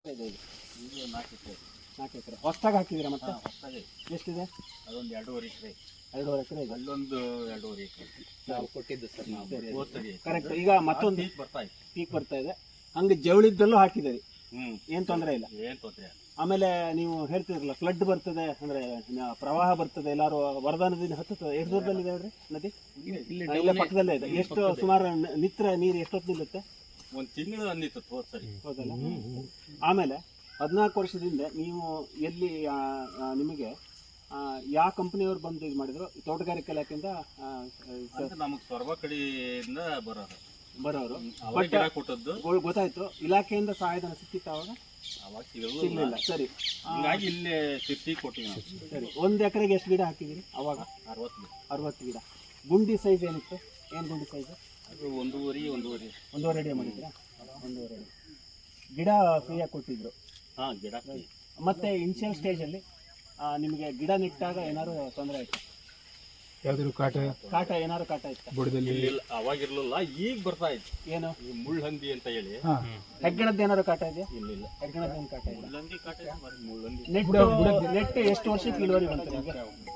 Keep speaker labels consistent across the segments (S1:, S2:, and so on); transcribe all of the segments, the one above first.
S1: ಇದು 4 ಎಕರೆ.
S2: 4 ಎಕರೆ ಹೊಸದಾಗಿ ಹಾಕಿದ್ದೀರಾ ಮತ್ತೆ?
S1: ಹೊಸದಾಗಿ
S2: ಎಷ್ಟಿದೆ?
S1: ಅದೊಂದು 2.5 ಎಕರೆ.
S2: 2.5 ಎಕರೆ ಇದೆ.
S1: ಅಲ್ಲೊಂದು 2.5 ಎಕರೆ
S3: ನಾವು ಕೊಟ್ಟಿದ್ದು ಸರ್. ನಾವು
S2: ಕರೆಕ್ಟ್. ಈಗ ಮತ್ತೊಂದು
S1: ಪೀಕ್
S2: ಬರ್ತಾ ಇದೆ. ಹಂಗೆ ಜವಳಿದ್ದಲ್ಲೂ ಹಾಕಿದ್ದೀರಿ, ಏನು ತೊಂದರೆ ಇಲ್ಲ.
S1: ಏನ್ ತೊಂದರೆ.
S2: ಆಮೇಲೆ ನೀವು ಹೇಳ್ತಿದ್ರಲ್ಲ ಫ್ಲಡ್ ಬರ್ತದೆ ಅಂದ್ರೆ ಪ್ರವಾಹ ಬರ್ತದೆ, ಎಲ್ಲಾರು ವರದಾ ನದಿ ಹತ್ತುತ್ತದೆ. ಎಷ್ಟು ದೂರದಲ್ಲಿ ಇದೆ ಹೇಳ್ರಿ ನದಿ? ಇಲ್ಲೇ ಪಕ್ಕದಲ್ಲೇ ಇದೆ. ಎಷ್ಟು ಸುಮಾರು ನಿತ್ರ ನೀರು ಎಷ್ಟೊತ್ತು ನಿಲ್ಲುತ್ತೆ?
S1: ಒಂದು ತಿಂಗಳು ಅಂದಿತ್ತು ಸರಿ.
S2: ಹೌದಲ್ಲ. ಆಮೇಲೆ 14 ವರ್ಷದಿಂದ ನೀವು ಎಲ್ಲಿ ನಿಮಗೆ ಯಾವ ಕಂಪನಿಯವ್ರು ಬಂದು ಇದು ಮಾಡಿದ್ರು? ತೋಟಗಾರಿಕೆ ಇಲಾಖೆಯಿಂದ
S1: ನಮಗೆ ಸೊರಬ ಕಡೆಯಿಂದ ಬರೋರು ಕೊಟ್ಟದ್ದು
S2: ಗೊತ್ತಾಯ್ತು. ಇಲಾಖೆಯಿಂದ ಸಹಾಯಧನ ಸಿಕ್ಕಿತ್ತು ಅವಾಗ?
S1: ಅವಾಗ
S2: ಸಿಗಲಿಲ್ಲ. ಸರಿ,
S1: ಹೀಗಾಗಿ ಇಲ್ಲೇ ಸಿರ್ಸಿ ಕೊಟ್ಟಿವಿ.
S2: ಸರಿ, 1 ಎಕರೆಗೆ ಎಷ್ಟು ಗಿಡ ಹಾಕಿದಿರಿ ಅವಾಗ? 60 ಗಿಡ. ಗುಂಡಿ ಸೈಜ್ ಏನಿತ್ತು? ಏನು ಗುಂಡಿ ಸೈಜ್?
S1: ಅದು 1.5
S2: ಅಡಿ ಮಾಡಿದ್ರಾ? 1.5 ಅಡಿ ಗಿಡ ಫ್ರೀಯಾಗಿ ಕೊಟ್ಟಿದ್ರು.
S1: ಹಾಂ, ಗಿಡ.
S2: ಮತ್ತೆ ಇನಿಷಿಯಲ್ ಸ್ಟೇಜಲ್ಲಿ ನಿಮಗೆ ಗಿಡ ನೆಟ್ಟಾಗ ಏನಾದ್ರು ತೊಂದರೆ ಆಯ್ತು?
S3: ಯಾವ್ದಾದ್ರು ಕಾಟ
S2: ಏನಾದ್ರು ಕಾಟ ಇತ್ತು?
S1: ಬುಡದಲ್ಲಿ ಅವಾಗಿರ್ಲಿಲ್ಲ, ಈಗ ಬರ್ತಾ ಇತ್ತು.
S2: ಏನು?
S1: ಮುಳ್ಳಂದಿ ಅಂತ ಹೇಳಿ.
S2: ಹೆಗ್ಗಣದ್ದು ಏನಾದ್ರು ಕಾಟ ಇದೆಯಾ?
S1: ಇಲ್ಲ,
S2: ಹೆಗ್ಗಣದ್ದು ಏನು ಕಾಟ ಇಲ್ಲ.
S1: ಮುಳ್ಳಂದಿ ಕಾಟ.
S2: ನೆಟ್ ಎಷ್ಟು ವರ್ಷಕ್ಕೆ ಇಳುವರಿ ಬಂತು ನಿಮಗೆ?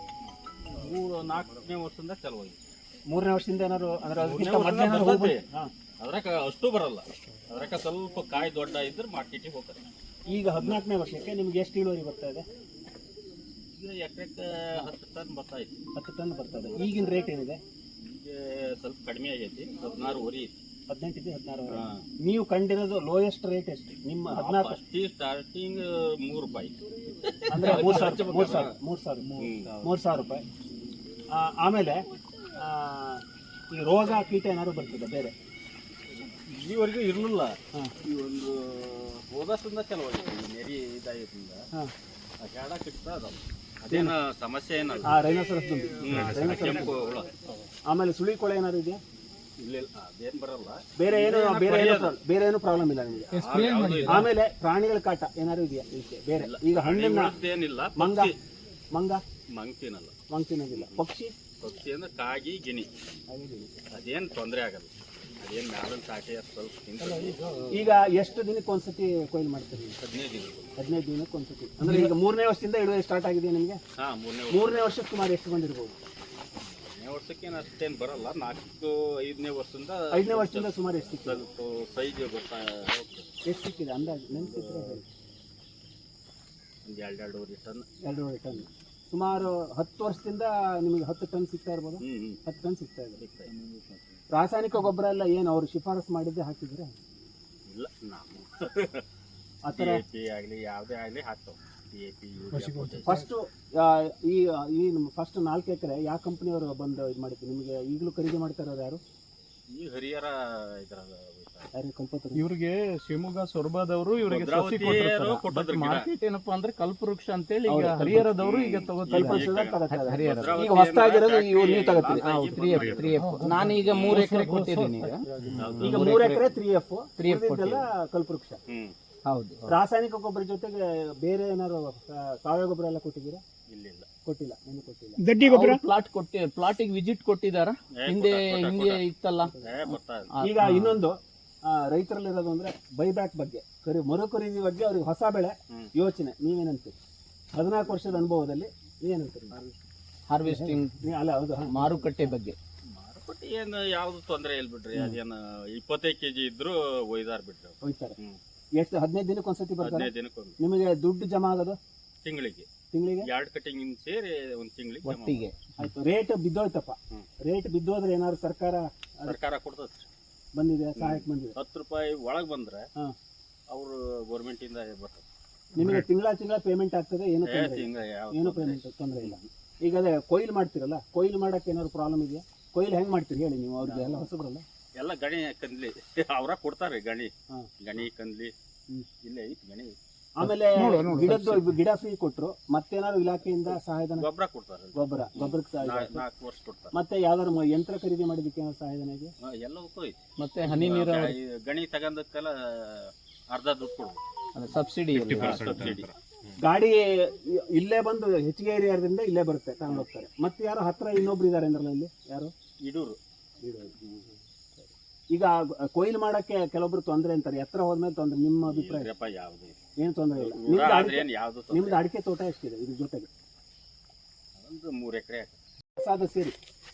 S1: 3-4ನೇ ವರ್ಷದಿಂದ ಚಲುವಾಗಿ.
S2: 3ನೇ ವರ್ಷದಿಂದ ಏನಾದ್ರು ಅಂದ್ರೆ
S1: ಅದ್ರಾಗ ಅಷ್ಟು ಬರಲ್ಲ. ಅದ್ರಾಗ ಸ್ವಲ್ಪ ಕಾಯಿ ದೊಡ್ಡ ಇದ್ರೆ ಮಾರ್ಕೆಟಿಗೆ ಹೋಗ್ತಾರೆ.
S2: ಈಗ 14ನೇ ವರ್ಷಕ್ಕೆ ನಿಮ್ಗೆ ಎಷ್ಟು ಇಳುವರಿ ಬರ್ತಾ ಇದೆ?
S1: ಈಗ ಎಕರೆಕ್ಕೆ 10 ಟನ್ ಬರ್ತಾ ಇತ್ತು.
S2: 10 ಟನ್ ಬರ್ತದೆ. ಈಗಿನ ರೇಟ್ ಏನಿದೆ?
S1: ಈಗ ಸ್ವಲ್ಪ ಕಡಿಮೆ ಆಗೈತಿ. 16 ಐತಿ.
S2: 18 ಇದೆ, 16. ನೀವು ಕಂಡಿರೋದು ಲೋಯೆಸ್ಟ್ ರೇಟ್ ಎಷ್ಟು ನಿಮ್ಮ? 14
S1: ಸ್ಟಾರ್ಟಿಂಗ್ 3 ರೂಪಾಯಿ
S2: ಅಂದ್ರೆ 3,000 ರೂಪಾಯಿ. ಆಮೇಲೆ ಈ ರೋಗ ಕೀಟ ಏನಾದ್ರು ಬರ್ತದೆ ಬೇರೆ?
S1: ಈವರೆಗೂ ಇರಲಿಲ್ಲ. ಈ ಒಂದು ಹೋದಷ್ಟಿಂದ ಚಲವಾಗೈತಿ. ನೆರಿ ಇದಾಗಿದ್ದರಿಂದ ಜಾಡ ಕಿಟ್ತಾ ಅದಾವ. ಅದೇನು ಸಮಸ್ಯೆ ಏನಲ್ಲ.
S2: ರೈನೋಸರಸ್ ದುಂಬಿ, ಆಮೇಲೆ ಸುಳಿ ಕೊಳೆ ಏನಾದ್ರು ಇದೆಯಾ?
S1: ಇಲ್ಲ, ಅದೇನು ಬರಲ್ಲ.
S2: ಬೇರೆ ಏನು ಪ್ರಾಬ್ಲಮ್ ಇಲ್ಲ ನಿಮಗೆ? ಆಮೇಲೆ ಪ್ರಾಣಿಗಳ ಕಾಟ ಏನಾದ್ರು ಇದೆಯಾ ಬೇರೆ? ಈಗ ಹಣ್ಣಿನ
S1: ಏನಿಲ್ಲ.
S2: ಮಂಗ್ತಿನೋದಿಲ್ಲ. ಪಕ್ಷಿ
S1: ಅಂದ್ರೆ ಕಾಗಿ ಗಿಣಿ ಅದೇನು ತೊಂದರೆ ಆಗಲ್ಲ. ಅದೇನು ಮ್ಯಾಲಿನ ಕಾಟಿ ಸ್ವಲ್ಪ ತಿಂತಾರೆ.
S2: ಈಗ ಎಷ್ಟು ದಿನಕ್ಕೆ ಒಂದ್ಸತಿ ಕೊಯ್ಲು ಮಾಡ್ತೀರಿ? 15 ದಿನಕ್ಕೆ ಒಂದ್ಸತಿ. ಅಂದ್ರೆ ಈಗ 3ನೇ ವರ್ಷದಿಂದ ಇಳುವರಿ ಸ್ಟಾರ್ಟ್ ಆಗಿದೆ ನಿಮಗೆ? 3ನೇ ವರ್ಷಕ್ಕೆ ಸುಮಾರು ಎಷ್ಟು ಬಂದಿರ್ಬೋದು?
S1: 3ನೇ ವರ್ಷಕ್ಕೇನು ಅಷ್ಟೇನು ಬರಲ್ಲ. 4-5ನೇ ವರ್ಷದಿಂದ
S2: 5ನೇ ವರ್ಷದಿಂದ ಸುಮಾರು ಎಷ್ಟು ಸಿಕ್ಕಿದೆ?
S1: ಸ್ವಲ್ಪ ಸೈಜ್ ಗೊತ್ತಾ
S2: ಎಷ್ಟು ಸಿಕ್ಕಿದೆ ಅಂದಾಜು ನೆನಪಿದ್ರೆ ಹೇಳಿ.
S1: ಒಂದು 2-2.5 ಟನ್.
S2: 2.5 ಟನ್. ಸುಮಾರು 10 ವರ್ಷದಿಂದ ನಿಮಗೆ 10 ಟನ್ ಸಿಗ್ತಾ ಇರ್ಬೋದು? 10 ಟನ್ ಸಿಗ್ತಾ ಇದೆ. ರಾಸಾಯನಿಕ ಗೊಬ್ಬರ ಎಲ್ಲ ಏನು ಅವರು ಶಿಫಾರಸು ಮಾಡಿದ್ದೆ ಹಾಕಿದ್ರೆ?
S1: ಇಲ್ಲ, ನಾವು
S2: ಆ ಥರ
S1: ಆಗಲಿ ಯಾವುದೇ ಆಗಲಿ ಹಾಕ್ತಾವೆ.
S2: ಫಸ್ಟು ಈ ಫಸ್ಟ್ 4 ಎಕರೆ ಯಾವ ಕಂಪ್ನಿಯವರು ಬಂದು ಇದು ಮಾಡಿದ್ರು ನಿಮಗೆ? ಈಗಲೂ ಖರೀದಿ ಮಾಡ್ತಾ ಇರೋರು ಯಾರು?
S1: ಈ ಹರಿಹರ ಇದ್ರಾಗ
S3: ಇವ್ರಿಗೆ ಶಿವಮೊಗ್ಗ ಸೊರಬಾದವರು ಇವರಿಗೆ ಮಾರ್ಕೆಟ್ ಏನಪ್ಪಾ ಅಂದ್ರೆ ಕಲ್ಪವೃಕ್ಷ ಅಂತೇಳಿ ಈಗ ಹರಿಹರದವರು ಈಗ ತಗೋತಾರೆ.
S2: ಈಗ ಹೊಸದಾಗಿರೋದು ನೀವು ತಗೋತೀರಿ?
S3: ನಾನೀಗ 3 ಎಕರೆ ಕೊಟ್ಟಿದ್ದೀನಿ.
S2: ಈಗ 3 ಎಕರೆ 3F ಕಲ್ಪವೃಕ್ಷ.
S3: ಹೌದು.
S2: ರಾಸಾಯನಿಕ ಗೊಬ್ಬರ ಜೊತೆಗೆ ಬೇರೆ ಏನಾದ್ರು ಸಾವಯವ ಗೊಬ್ಬರ ಎಲ್ಲ ಕೊಟ್ಟಿದ್ದೀರಾ? ಕೊಟ್ಟಿಲ್ಲ. ಏನು ಕೊಟ್ಟಿಲ್ಲ.
S3: ಗಡ್ಡಿ ಗೊಬ್ಬರ ಪ್ಲಾಟಿಗೆ ವಿಸಿಟ್ ಕೊಟ್ಟಿದಾರ? ಹಿಂದೆ ಇತ್ತಲ್ಲ.
S2: ಈಗ ಇನ್ನೊಂದು ರೈತರಲ್ಲಿರೋದು ಅಂದ್ರೆ ಬೈಬ್ಯಾಕ್ ಬಗ್ಗೆ, ಮರು ಖರೀದಿ ಬಗ್ಗೆ ಅವ್ರಿಗೆ ಹೊಸ ಬೆಳೆ ಯೋಚನೆ. ನೀವೇನಂತೀರಿ? 14 ವರ್ಷದ ಅನುಭವದಲ್ಲಿ ನೀವೇನಂತೀರಿ?
S3: ಹಾರ್ವೆಸ್ಟಿಂಗ್
S2: ಅಲ್ಲ, ಹೌದು,
S3: ಮಾರುಕಟ್ಟೆ ಬಗ್ಗೆ.
S1: ಮಾರುಕಟ್ಟೆ ಏನು ಯಾವ್ದು ತೊಂದರೆ ಇಲ್ಲ ಬಿಡ್ರಿ. ಅದೇನು 25 kg ಇದ್ರು ಒಯ್ತಾರೆ.
S2: ಎಷ್ಟು 15 ದಿನಕ್ಕೆ ಒಂದ್ಸತಿ ಬರ್ತಾರೆ?
S1: 15 ದಿನಕ್ಕೆ.
S2: ನಿಮಗೆ ದುಡ್ಡು ಜಮಾ ಆಗೋದು
S1: ತಿಂಗಳಿಗೆ 2 ಕಟಿಂಗ್ ಸೇರಿ ಒಂದು ತಿಂಗಳಿಗೆ
S3: ಒಟ್ಟಿಗೆ.
S2: ಆಯ್ತು. ರೇಟ್ ಬಿದ್ದೋಯ್ತಪ್ಪ. ರೇಟ್ ಬಿದ್ದೋದ್ರೆ ಏನಾದ್ರು ಸರ್ಕಾರ
S1: ಕೊಡ್ತದೆ?
S2: ಬಂದಿದೆ, ಸಹಾಯಕ್ಕೆ ಬಂದಿದೆ.
S1: 10 ರೂಪಾಯಿ ಒಳಗೆ ಬಂದ್ರೆ ಅವರು ಗೌರ್ಮೆಂಟ್ ಇಂದ ಬರ್ತದೆ.
S2: ನಿಮಗೆ ತಿಂಗಳ ಪೇಮೆಂಟ್ ಆಗ್ತದೆ? ಏನು ಪೇಮೆಂಟ್ ತೊಂದರೆ ಇಲ್ಲ. ಈಗ ಅದೇ ಕೊಯ್ಲು ಮಾಡ್ತೀರಲ್ಲ, ಕೊಯ್ಲು ಮಾಡಕ್ಕೆ ಏನಾದ್ರು ಪ್ರಾಬ್ಲಮ್ ಇದೆಯಾ? ಕೊಯ್ಲು ಹೆಂಗ್ ಮಾಡ್ತೀರಿ ಹೇಳಿ ನೀವು? ಅವ್ರಿಗೆ ಎಲ್ಲ ಹೊಸಬ್ರಲ್ಲ.
S1: ಎಲ್ಲ ಗಣಿ ಕಂದ್ಲಿ ಅವರ ಕೊಡ್ತಾರೆ. ಗಣಿ ಕಂದ್ಲಿ ಇಲ್ಲೇ ಐತಿ ಗಣಿ.
S2: ಆಮೇಲೆ ಗಿಡ ಫ್ರೀ ಕೊಟ್ರು. ಮತ್ತೇನಾದ್ರು ಇಲಾಖೆಯಿಂದ ಸಹಾಯಧನ?
S1: ಗೊಬ್ಬರ ಕೊಡ್ತಾರೆ.
S2: ಗೊಬ್ಬರಕ್ಕೆ
S1: 4 ವರ್ಷ ಕೊಡ್ತಾರೆ.
S2: ಮತ್ತೆ ಯಾವ್ದಾದ್ರು ಯಂತ್ರ ಖರೀದಿ ಮಾಡಿದಕ್ಕೆ ಏನಾದ್ರು ಸಹಾಯಧನ ಇದೆ?
S1: ಎಲ್ಲವಕ್ಕೂ ಐತಿ.
S3: ಮತ್ತೆ ಹನಿ ನೀರಾವರಿ
S1: ಗಣಿ ತಗೊಂಡಕ್ಕೆಲ್ಲ ಅರ್ಧ ದುಡ್ಡು ಕೊಡ್ಬೋದು.
S3: ಸಬ್ಸಿಡಿ.
S2: ಗಾಡಿ ಇಲ್ಲೇ ಬಂದು ಹೆಚ್ಚಿಗೆ ಏರಿಯಾದಿಂದ ಇಲ್ಲೇ ಬರುತ್ತೆ, ತಗೊಂಡು ಹೋಗ್ತಾರೆ. ಮತ್ತೆ ಯಾರು ಹತ್ರ ಇನ್ನೊಬ್ರು ಇದಾರೆ ಅಂದ್ರಲ್ಲ ಇಲ್ಲಿ? ಯಾರು?
S1: ಇಡೂರು.
S2: ಈಗ ಕೊಯ್ಲು ಮಾಡಕ್ಕೆ ಕೆಲವೊಬ್ರು ತೊಂದರೆ ಅಂತಾರೆ, ಎತ್ತರ ಹೋದ್ಮೇಲೆ ತೊಂದರೆ. ನಿಮ್ಮ ಅಭಿಪ್ರಾಯ?
S1: ಯಾವ್ದು
S2: ಏನು ತೊಂದರೆ ಇಲ್ಲ.
S1: ಊರ ಆದ್ರೆ ಏನ್ ಯಾವ್ದು ತೊಂದ್ರೆ
S2: ನಿಮ್ದು ಅಡಿಕೆ ತೋಟ ಎಷ್ಟಿದೆ ಇದ್ರ ಜೊತೆಗೆ?
S1: ಒಂದು 3 ಎಕರೆ
S2: ಸಾದ ಸೇರಿ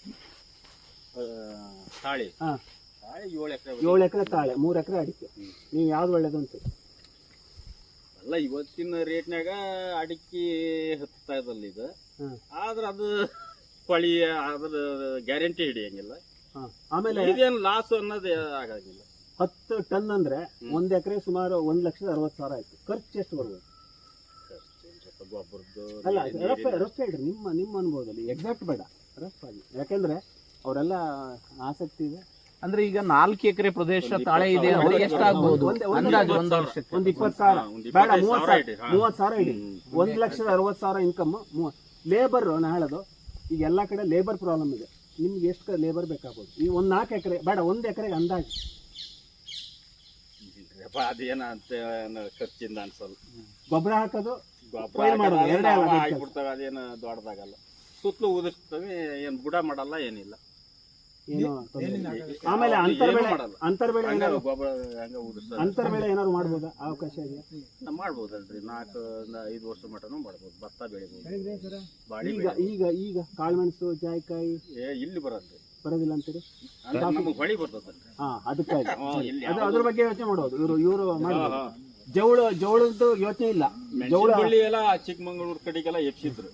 S1: ತಾಳಿ
S2: ಹಾಂ,
S1: ತಾಳಿ 7 ಎಕರೆ
S2: 7 ಎಕರೆ ತಾಳೆ, 3 ಎಕರೆ ಅಡಿಕೆ. ನೀವು ಯಾವ್ದು ಒಳ್ಳೇದು ಅಂತೀರಿ?
S1: ಅಲ್ಲ ಇವತ್ತಿನ ರೇಟ್ನಾಗ ಅಡಿಕೆ ಹತ್ತಾ ಇದಲ್ಲ ಇದು. ಆದ್ರೆ ಅದು ಪಳಿ ಅದ್ರ ಗ್ಯಾರಂಟಿ ಹಿಡಿಯಂಗಿಲ್ಲ.
S2: ಆಮೇಲೆ
S1: ಇದೇನು ಲಾಸ್ ಅನ್ನೋದು ಆಗಂಗಿಲ್ಲ.
S2: 10 ಟನ್ ಅಂದ್ರೆ 1 ಎಕರೆ ಸುಮಾರು 1,60,000 ಆಯ್ತು. ಖರ್ಚು ಎಷ್ಟು ಬರ್ಬೋದು?
S1: ಗೊಬ್ಬರದ್ದು
S2: ಅಲ್ಲ ರಫ್ ಹೇಳ್ರಿ, ನಿಮ್ಮ ಅನುಭವದಲ್ಲಿ ಎಕ್ಸಾಕ್ಟ್ ಬೇಡ, ರಫ್ ಆಗಿ. ಯಾಕೆಂದ್ರೆ ಅವರೆಲ್ಲ ಆಸಕ್ತಿ ಇದೆ.
S3: ಅಂದ್ರೆ ಈಗ 4 ಎಕರೆ ಪ್ರದೇಶ ತಾಳೆ ಇದೆ, ಅವ್ರಿಗೆ ಎಷ್ಟಾಗ್ಬೋದು ಅಂದಾಜು ಒಂದು ವರ್ಷಕ್ಕೆ?
S2: ಒಂದು 20,000 ಬೇಡ, 30,000 ಇಡಿ. 1,60,000 ಇನ್ಕಮ್. ಲೇಬರ್ ನಾ ಹೇಳೋದು, ಈಗ ಎಲ್ಲಾ ಕಡೆ ಲೇಬರ್ ಪ್ರಾಬ್ಲಮ್ ಇದೆ. ನಿಮ್ಗೆ ಎಷ್ಟು ಲೇಬರ್ ಬೇಕಾಗ್ಬೋದು? ಈ 4 ಎಕರೆ ಬೇಡ, 1 ಎಕರೆಗೆ ಅಂದಾಜು
S1: ಅದೇನ ಅಂತ ಖರ್ಚಿಂದ ಅನ್ಸಲ್ಲ.
S2: ಗೊಬ್ಬರ ಹಾಕೋದು,
S1: ಗೊಬ್ಬರ ಆಗ್ಬಿಡ್ತವೆ, ಅದೇನು ದೊಡ್ಡದಾಗಲ್ಲ. ಸುತ್ತಲೂ ಉದಿಸ್ತವೆ, ಏನ್ ಬುಡ ಮಾಡಲ್ಲ, ಏನಿಲ್ಲ.
S2: ಏನು ಆಮೇಲೆ ಅಂತರ್ಬೆಳೆ ಏನಾದ್ರು ಮಾಡ್ಬೋದಾ? ಅವಕಾಶ ಇದೆಯಾ?
S1: ಮಾಡ್ಬೋದಲ್ರಿ, 4-5 ವರ್ಷ ಮಟನು ಮಾಡ್ಬೋದು. ಭತ್ತ ಬೆಳಿಬೋದು, ಬಾಳಿ.
S2: ಈಗ ಕಾಳುಮೆಣಸು, ಜಾಯಿಕಾಯಿ
S1: ಇಲ್ಲಿ ಬರಲ್ರಿ,
S2: ಬರೋದಿಲ್ಲ ಅಂತೀರಿ?
S1: ನಮಗೆ ಹೊಳಿ ಬರ್ತದಲ್ರಿ.
S2: ಅದಕ್ಕಾಗಿ ಅದ್ರ ಬಗ್ಗೆ ಯೋಚನೆ ಮಾಡೋದು. ಇವರು ಮಾಡೋದು ಜವಳದ್ದು ಯೋಚನೆ ಇಲ್ಲ.
S1: ಬಳ್ಳಿ ಎಲ್ಲ ಚಿಕ್ಕಮಂಗ್ಳೂರ್ ಕಡೆಗೆಲ್ಲ ಎಪ್ಸಿದ್ರು.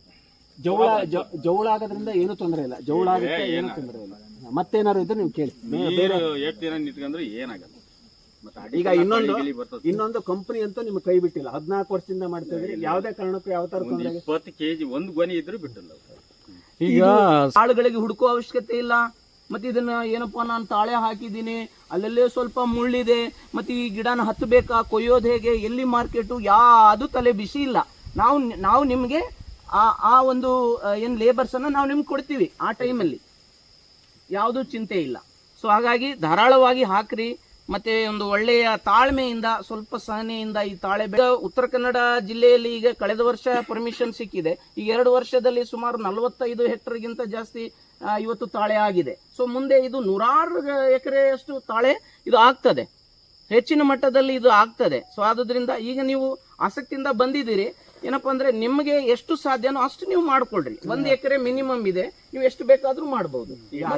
S2: ಜವಳ ಆಗೋದ್ರಿಂದ ಏನು ತೊಂದರೆ ಇಲ್ಲ. ಜವಳ ಆಗುತ್ತೆ, ಏನು ತೊಂದರೆ ಇಲ್ಲ. ಮತ್ತೇನಾದ್ರು ಇದ್ರೆ ನೀವು ಕೇಳಿ.
S1: ಬೇರೆ 8 ದಿನ ನಿಂತ್ಕೊಂಡ್ರೆ ಏನಾಗಲ್ಲ.
S2: ಈಗ ಇನ್ನೊಂದು ಕಂಪನಿ ಅಂತೂ ನಿಮ್ಗೆ ಕೈ ಬಿಟ್ಟಿಲ್ಲ. 14 ವರ್ಷದಿಂದ ಮಾಡ್ತಾ ಇದ್ರಿ. ಯಾವ್ದೇ ಕಾರಣಕ್ಕೂ ಯಾವ ತರ
S1: 20 kg ಒಂದು ಗೊನೆ ಇದ್ರು ಬಿಟ್ಟಿಲ್ಲ.
S3: ಈಗ ಆಳುಗಳಿಗೆ ಹುಡುಕೋ ಅವಶ್ಯಕತೆ ಇಲ್ಲ. ಮತ್ತೆ ಇದನ್ನ ಏನಪ್ಪಾ ನಾನು ತಾಳೆ ಹಾಕಿದ್ದೀನಿ, ಅಲ್ಲಲ್ಲೇ ಸ್ವಲ್ಪ ಮುಳ್ಳಿದೆ, ಮತ್ತೆ ಈ ಗಿಡನ ಹತ್ತಬೇಕಾ, ಕೊಯ್ಯೋದು ಹೇಗೆ, ಎಲ್ಲಿ ಮಾರ್ಕೆಟು, ಯಾವುದು ತಲೆ ಬಿಸಿ ಇಲ್ಲ. ನಾವು ನಿಮ್ಗೆ ಆ ಒಂದು ಏನ್ ಲೇಬರ್ಸ್ ಅನ್ನ ನಾವು ನಿಮ್ಗೆ ಕೊಡ್ತೀವಿ. ಆ ಟೈಮಲ್ಲಿ ಯಾವುದು ಚಿಂತೆ ಇಲ್ಲ. ಸೊ ಹಾಗಾಗಿ ಧಾರಾಳವಾಗಿ ಹಾಕ್ರಿ. ಮತ್ತೆ ಒಂದು ಒಳ್ಳೆಯ ತಾಳ್ಮೆಯಿಂದ, ಸ್ವಲ್ಪ ಸಹನೆಯಿಂದ ಈ ತಾಳೆ ಬೆಳೆ. ಉತ್ತರ ಕನ್ನಡ ಜಿಲ್ಲೆಯಲ್ಲಿ ಈಗ ಕಳೆದ ವರ್ಷ ಪರ್ಮಿಷನ್ ಸಿಕ್ಕಿದೆ. ಈಗ 2 ವರ್ಷದಲ್ಲಿ ಸುಮಾರು 45 ಹೆಕ್ಟರ್ಗಿಂತ ಜಾಸ್ತಿ ಇವತ್ತು ತಾಳೆ ಆಗಿದೆ. ಸೊ ಮುಂದೆ ಇದು 100 ಎಕರೆಯಷ್ಟು ತಾಳೆ ಇದು ಆಗ್ತದೆ, ಹೆಚ್ಚಿನ ಮಟ್ಟದಲ್ಲಿ ಇದು ಆಗ್ತದೆ. ಸೊ ಆದ್ರಿಂದ ಈಗ ನೀವು ಆಸಕ್ತಿಯಿಂದ ಬಂದಿದ್ದೀರಿ. ಏನಪ್ಪಾ ಅಂದ್ರೆ ನಿಮಗೆ ಎಷ್ಟು ಸಾಧ್ಯನೋ ಅಷ್ಟು ನೀವು ಮಾಡ್ಕೊಳ್ರಿ. 1 ಎಕರೆ ಮಿನಿಮಮ್ ಇದೆ, ನೀವು ಎಷ್ಟು ಬೇಕಾದ್ರೂ ಮಾಡಬಹುದು.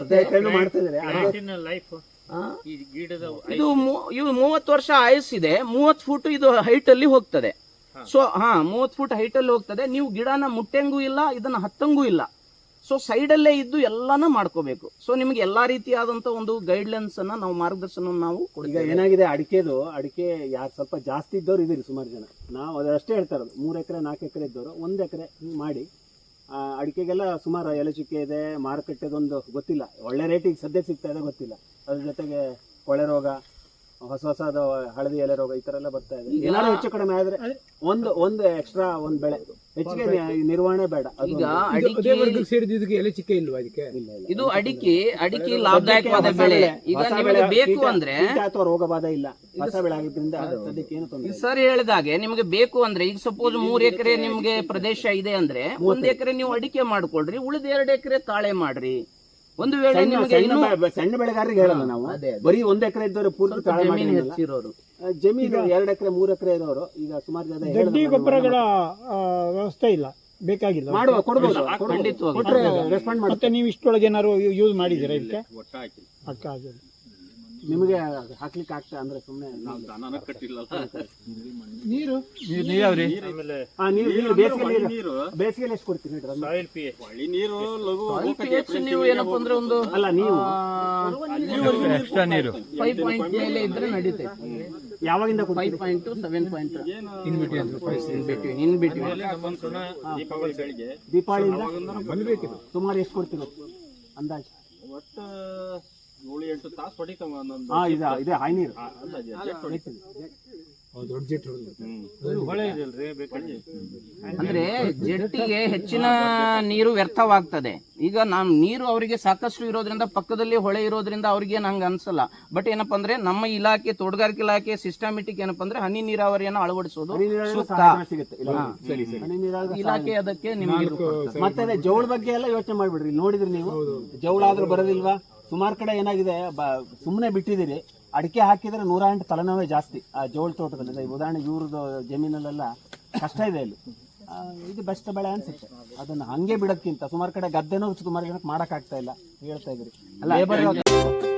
S3: ಇದು 30 ವರ್ಷ ಆಯಸ್ಸಿದೆ. 30 ಫೂಟ್ ಇದು ಹೈಟ್ ಅಲ್ಲಿ ಹೋಗ್ತದೆ. ಸೊ 30 ಫೂಟ್ ಹೈಟ್ ಅಲ್ಲಿ ಹೋಗ್ತದೆ. ನೀವು ಗಿಡನ ಮುಟ್ಟಂಗೂ ಇಲ್ಲ, ಇದನ್ನ ಹತ್ತಂಗೂ ಇಲ್ಲ. ಸೊ ಸೈಡ್ ಅಲ್ಲೇ ಇದ್ದು ಎಲ್ಲಾನು ಮಾಡ್ಕೋಬೇಕು. ಸೊ ನಿಮ್ಗೆ ಎಲ್ಲಾ ರೀತಿಯಾದಂತ ಒಂದು ಗೈಡ್ಲೈನ್ಸ್ ಅನ್ನ ನಾವು, ಮಾರ್ಗದರ್ಶನ ನಾವು
S2: ಈಗ ಏನಾಗಿದೆ, ಅಡಿಕೆ ಯಾರು ಸ್ವಲ್ಪ ಜಾಸ್ತಿ ಇದ್ದವ್ರು ಇದೀರಿ ಸುಮಾರು ಜನ. ನಾವು ಅದಷ್ಟೇ ಹೇಳ್ತಾ ಇರೋದು. 3 ಎಕರೆ 4 ಎಕರೆ ಇದ್ದವರು 1 ಎಕರೆ ಮಾಡಿ ಅಡಿಕೆಗೆಲ್ಲ ಸುಮಾರು ಎಲೆ ಚುಕ್ಕೆ ಇದೆ. ಮಾರುಕಟ್ಟೆದೊಂದು ಗೊತ್ತಿಲ್ಲ, ಒಳ್ಳೆ ರೇಟಿಗೆ ಸದ್ಯಕ್ಕೆ ಸಿಗ್ತಾ ಇದೆ ಗೊತ್ತಿಲ್ಲ. ಅದ್ರ ಜೊತೆಗೆ ಕೊಳೆ ರೋಗ, ಹೊಸದ ಹಳದಿ ಎಲೆ ರೋಗ, ಈ ತರ ಎಲ್ಲ ಬರ್ತಾ ಇದೆ. ಏನಾದ್ರು ಹೆಚ್ಚು ಕಡಿಮೆ ಆದ್ರೆ ಒಂದು ಎಕ್ಸ್ಟ್ರಾ ಒಂದು ಬೆಳೆ ಹೆಚ್ಚಿಗೆ ನಿರ್ವಹಣೆ ಬೇಡ.
S3: ಈಗ ಅಡಿಕೆ ಎಲೆ ಚಿಕ್ಕ ಇಲ್ವಾ ಅದಕ್ಕೆ? ಇದು ಅಡಿಕೆ ಲಾಭದಾಯಕವಾದ ಬೆಳೆ. ಈಗ ನಿಮಗೆ ಬೇಕು ಅಂದ್ರೆ
S2: ಅಥವಾ ರೋಗ ಬಾಧ ಇಲ್ಲ, ಹೊಸ ಬೆಳೆ ಆಗಿದ್ರಿಂದ ಸದ್ಯಕ್ಕೆ ಏನು ತೊಂದರೆ.
S3: ಸರ್ ಹೇಳಿದಾಗೆ ನಿಮಗೆ ಬೇಕು ಅಂದ್ರೆ, ಈಗ ಸಪೋಸ್ 3 ಎಕರೆ ನಿಮ್ಗೆ ಪ್ರದೇಶ ಇದೆ ಅಂದ್ರೆ 1 ಎಕರೆ ನೀವು ಅಡಿಕೆ ಮಾಡ್ಕೊಳ್ರಿ, ಉಳಿದ 2 ಎಕರೆ ತಾಳೆ ಮಾಡ್ರಿ. ಒಂದು ವೇಳೆ
S2: ಸಣ್ಣ ಬೆಳೆಗಾರರಿಗೆ ಹೇಳಲ್ಲ ನಾವು, ಬರೀ 1 ಎಕರೆ ಇದ್ದವರು ಪೂರ್ತಿ ತಾಳೆ
S3: ಹೆಚ್ಚಿರೋರು,
S2: ಜಮೀನು 2 ಎಕರೆ 3 ಎಕರೆ ಇರೋರು ಈಗ ಸುಮಾರು ಜನ
S4: ಗಡ್ಡಿ ಗೊಬ್ಬರಗಳ ವ್ಯವಸ್ಥೆ ಇಲ್ಲ, ಬೇಕಾಗಿಲ್ಲ.
S2: ಮಾಡುವ ಕೊಡ್ಬೋದು,
S4: ರೆಸ್ಪಾಂಡ್ ಮಾಡಿ. ಮತ್ತೆ ನೀವು ಇಷ್ಟೊಳಗೆ ಏನಾದ್ರು ಯೂಸ್ ಮಾಡಿದ್ದೀರಾ ಇದಕ್ಕೆ? ಅಕ್ಕ ಆಗಿಲ್ಲ
S2: ನಿಮಗೆ ಹಾಕ್ಲಿಕ್ಕೆ ಆಗ್ತಾ ಅಂದ್ರೆ ಸುಮ್ಮನೆ
S4: ನೀರು
S2: ಬೇಸಿಗೆಯಲ್ಲಿ ಎಷ್ಟು ಕೊಡ್ತೀರಿ?
S1: ನೀರು
S3: ನೀವು ಏನಪ್ಪ ಅಂದ್ರೆ ಒಂದು
S2: ಅಲ್ಲ, ನೀವು
S3: ಎಕ್ಸ್ಟ್ರಾ ನೀರು 5 ಮೇಲೆ ಇದ್ರೆ ನಡೀತೈತೆ.
S2: ಯಾವಾಗಿಂದ
S3: 5.2 7.2
S2: ದೀಪಾವಳಿಯಿಂದ ಸುಮಾರು ಎಷ್ಟು ಕೊಡ್ತೀವಿ ಅಂದಾಜು?
S1: ಒಟ್ಟು 7-8 ತಾಸು ಹೊಡಿತಾವ.
S2: ಇದೆ ಹಾಯ್ ನೀರು
S3: ಅಂದ್ರೆ ಜೆಟ್ಟಿಗೆ ಹೆಚ್ಚಿನ ನೀರು ವ್ಯರ್ಥವಾಗ್ತದೆ. ಈಗ ನಾನು ನೀರು ಅವರಿಗೆ ಸಾಕಷ್ಟು ಇರೋದ್ರಿಂದ, ಪಕ್ಕದಲ್ಲಿ ಹೊಳೆ ಇರೋದ್ರಿಂದ ಅವ್ರಿಗೆ ನಂಗೆ ಅನ್ಸಲ್ಲ. ಬಟ್ ಏನಪ್ಪಾ ಅಂದ್ರೆ ನಮ್ಮ ಇಲಾಖೆ, ತೋಟಗಾರಿಕೆ ಇಲಾಖೆ ಸಿಸ್ಟಮ್ಯಾಟಿಕ್ ಏನಪ್ಪಾ ಅಂದ್ರೆ ಹನಿ ನೀರಾವರಿಯನ್ನು ಅಳವಡಿಸೋದು ಸೂಕ್ತ. ಇಲಾಖೆ ಅದಕ್ಕೆ ನಿಮ್ಗೆ
S2: ಮತ್ತೆ ಅದೇ ಜವಳ ಬಗ್ಗೆ ಎಲ್ಲ ಯೋಚನೆ ಮಾಡ್ಬಿಡ್ರಿ. ನೋಡಿದ್ರಿ ನೀವು, ಜವಳ ಆದ್ರೂ ಬರೋದಿಲ್ವಾ? ಸುಮಾರು ಕಡೆ ಏನಾಗಿದೆ, ಸುಮ್ಮನೆ ಬಿಟ್ಟಿದ್ದೀರಿ. ಅಡಿಕೆ ಹಾಕಿದ್ರೆ 108 ತಲೆನೋವೇ ಜಾಸ್ತಿ ಆ ಜೋಳ ತೋಟದಲ್ಲಿ. ಉದಾಹರಣೆ ಇವ್ರದ್ದು ಜಮೀನಲ್ಲೆಲ್ಲ ಕಷ್ಟ ಇದೆ ಇಲ್ಲಿ. ಇದು ಬೆಸ್ಟ್ ಬೆಳೆ ಅನ್ಸುತ್ತೆ. ಅದನ್ನ ಹಂಗೆ ಬಿಡೋದ್ಕಿಂತ ಸುಮಾರು ಕಡೆ ಗದ್ದೆನೂ ಸುಮಾರು ಜನಕ್ಕೆ ಮಾಡಕ್ ಆಗ್ತಾ ಇಲ್ಲ ಹೇಳ್ತಾ ಇದ್ರಿ.